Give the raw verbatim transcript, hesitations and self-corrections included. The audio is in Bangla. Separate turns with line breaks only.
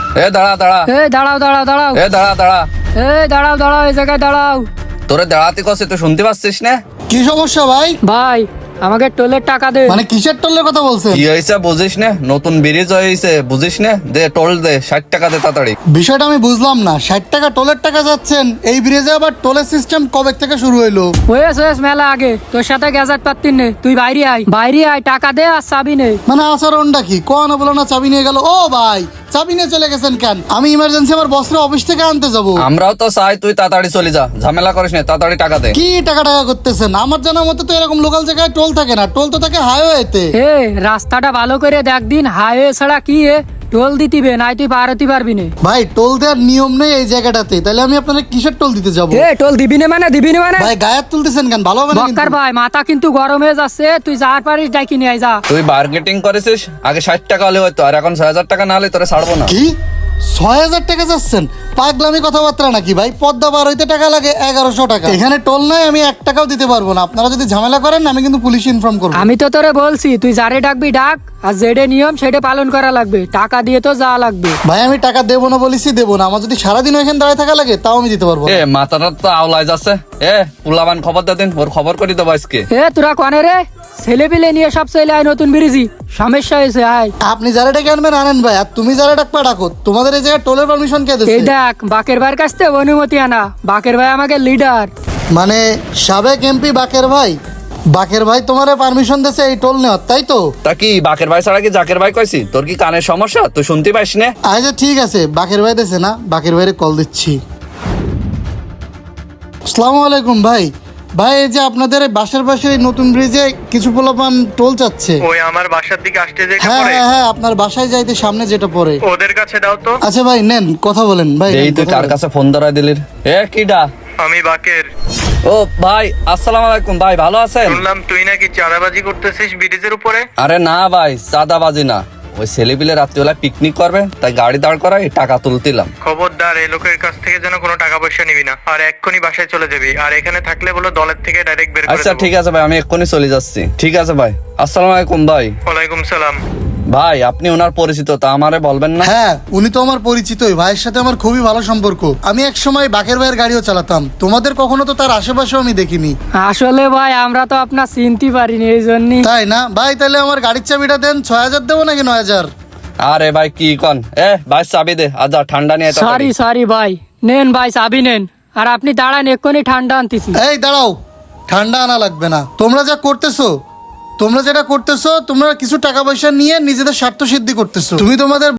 এ দাঁড়া দাঁড়া
এই দাঁড়াও দাঁড়াও দাঁড়াও
এ দাঁড়া দাঁড়া
এই দাঁড়াও দাঁড়াও এই জায়গায় দাঁড়াও।
তোরে দাঁড়াতে কছে তুই শুনতে পাচ্ছিস না?
কি সমস্যা ভাই?
ভাই আমাকে টোলের টাকা দে।
মানে কিসের টোলের কথা বলছেন?
কি হয়েছে বুঝিস না? নতুন ব্রিজ হয়েছে বুঝিস না? দে টোল দে, ষাট টাকা দে তাড়াতাড়ি।
বিষয়টা আমি বুঝলাম না, ষাট টাকা টোলের টাকা যাচ্ছেন, এই ব্রিজে আবার টোলের সিস্টেম কবে থেকে শুরু হইলো?
ওয়েস ওয়েস মেলা আগে তোর সাথে গ্যাজেট পাত্তি নে, তুই বাইরে আয় বাইরে আয়, টাকা দে আর চাবি নে।
মানে আচরণটা কি? কোন বলো না চাবি নিয়ে গেল। ও ভাই চাবি নিয়ে চলে গেছেন কেন? আমি ইমার্জেন্সি আমার বসরা অফিস থেকে আনতে যাব।
আমরাও তো চাই তুই তাড়াতাড়ি চলে যা, ঝামেলা করিস না, তাড়াতাড়ি টাকা দে।
কি টাকা টাকা করতেছেন? আমার জানা মতে তো এরকম লোকাল জায়গায় টোল থাকে না, টোল তো থাকে হাইওয়েতে।
এ রাস্তাটা ভালো করে দেখ দিন, হাইওয়ে ছাড়া কি এ টোল দিতিবে নাই, তুই পার হতে পারবি না।
ভাই টোল দেওয়ার নিয়ম নেই এই জায়গাটাতে, তাহলে আমি আপনাদের কিসের টোল দিতে যাব?
এ টোল দিবি না মানে দিবি না মানে
ভাই গায়ের তুলতেছেন কেন? ভালো হবে না কিন্তু।
বক্কার ভাই মাথা কিন্তু গরম হয়ে যাচ্ছে, তুই যার পারিস ডাকি নিয়ে আয় যা।
তুই বার্গেটিং করেছিস, আগে ষাট টাকা হলে হয়তো, আর এখন ছয় হাজার টাকা না হলে তোরে ছাড়বো না।
কি ছয় হাজার টাকা যাচ্ছেন? পাগলামি কথাবার্তা নাকি ভাই? পদ্মা বার হইতে টাকা লাগে এগারোশো টাকা, এখানে টোল নাই, আমি এক টাকাও দিতে পারবো না। আপনারা যদি ঝামেলা করেন আমি কিন্তু পুলিশ ইনফর্ম করবো।
আমি তো তোরে বলছি তুই যারে ডাকবি ডাক, আর যেটা নিয়ম সেটা পালন করা লাগবে, টাকা দিয়ে তো যা লাগবে।
ভাই আমি টাকা দেবো না বলেছি, দেবো না। আমার যদি সারাদিন ওইখানে দাঁড়িয়ে থাকা লাগে তাও আমি দিতে পারবো না।
এ মাথাটা তো আওলায় যাচ্ছে। এ পুলাবান খবর দে দিন, ওর খবর করি দেবো আজকে।
এ তোরা কনে রে? ছেলে পিলে নিয়ে সব চলে আয় নতুন ব্রিজি, সমস্যা হয়েছে আয়।
আপনি যারা ডেকে আনবেন আনেন ভাই, আর তুমি যারা ডাকবা ডাকো। তোমাদের এই জায়গায় টোলের পারমিশন কে
এই
দিচ্ছে?
দেখ বাকের ভাইয়ের কাছ থেকে অনুমতি আনা, বাকের ভাই আমাকে লিডার।
মানে সাবেক এমপি বাকের ভাই? বাকের ভাই তোমার পারমিশন দিয়েছে এই টোল নেওয়ার, তাই তো?
তা কি বাকের ভাই ছাড়া কি জাকের ভাই কইছি? তোর কি কানের সমস্যা? তুই শুনতে পাইস না?
আচ্ছা ঠিক আছে, বাকের ভাই দিয়েছে না, বাকের ভাইরে কল দিচ্ছি। আসসালামু আলাইকুম ভাই। ভাই এই যে আপনাদের এই বাসার পাশে এই নতুন ব্রিজে কিছু পোলাপান টোল চাচ্ছে।
ওই আমার বাসার দিকে আসতে যেটা
হ্যাঁ
পড়ে
হ্যাঁ হ্যাঁ, আপনার বাসায় যাইতে সামনে যেটা পড়ে।
ওদের কাছে দাও তো।
আচ্ছা ভাই নেন, কথা বলেন ভাই।
এই
নেন,
তুই
কথা
কার
বলেন।
কাছে ফোন ধরাই দিলি? এ কিডা?
আমি বাকের।
ও ভাই আসসালামু আলাইকুম ভাই, ভালো আছেন?
শুনলাম তুই নাকি চাঁদাবাজি করতেছিস ব্রিজের উপরে।
আরে না ভাই, চাঁদাবাজি না, ওই ছেলেপিলে রাত্রিবেলা পিকনিক করবে তাই গাড়ি দাঁড় করাই টাকা তুলতিলাম।
খবরদার এই লোকের কাছ থেকে যেন কোনো টাকা পয়সা নিবি না, আর এক্ষুনি বাসায় চলে যাবি। আর এখানে থাকলে বলো দলের থেকে ডাইরেক্ট বের করে
আচ্ছা
দেবো।
ঠিক আছে ভাই, আমি এক্ষুনি চলে যাচ্ছি। ঠিক আছে ভাই, আসসালামু আলাইকুম ভাই।
ওয়ালাইকুম সালাম।
ভাই আপনি ওনার পরিচিত, তা আমারে বলবেন না?
হ্যাঁ উনি তো আমার পরিচিতই, ভাইয়ের সাথে আমার খুবই ভালো সম্পর্ক। আমি এক সময় বাকের ভাইয়ের গাড়িও চালাতাম, তোমাদের কখনো তো তার আশেপাশেও আমি দেখিনি।
আসলে ভাই আমরা তো আপনার চিনতে পারিনি এই জন্যই।
তাই না ভাই? তাহলে আমার গাড়ির চাবিটা দেন, ছয় হাজার দেবো নাকি নয় হাজার?
আরে ভাই কি কন? এ ভাই চাবি দে, আজ ঠান্ডা নিয়ে আয়
সরি
তাড়াতাড়ি।
সরি ভাই, নেন ভাই চাবি নেন। আর আপনি দাঁড়ান, এক্ষুনি ঠান্ডা আনতেছি।
এই দাঁড়াও, ঠান্ডা আনা লাগবে না। তোমরা যা করতেছো, তোমরা যেটা করতেছো, তোমরা কিছু টাকা পয়সা নিয়ে নিজেদের স্বার্থ সিদ্ধি করতেছো। তুমি তোমাদের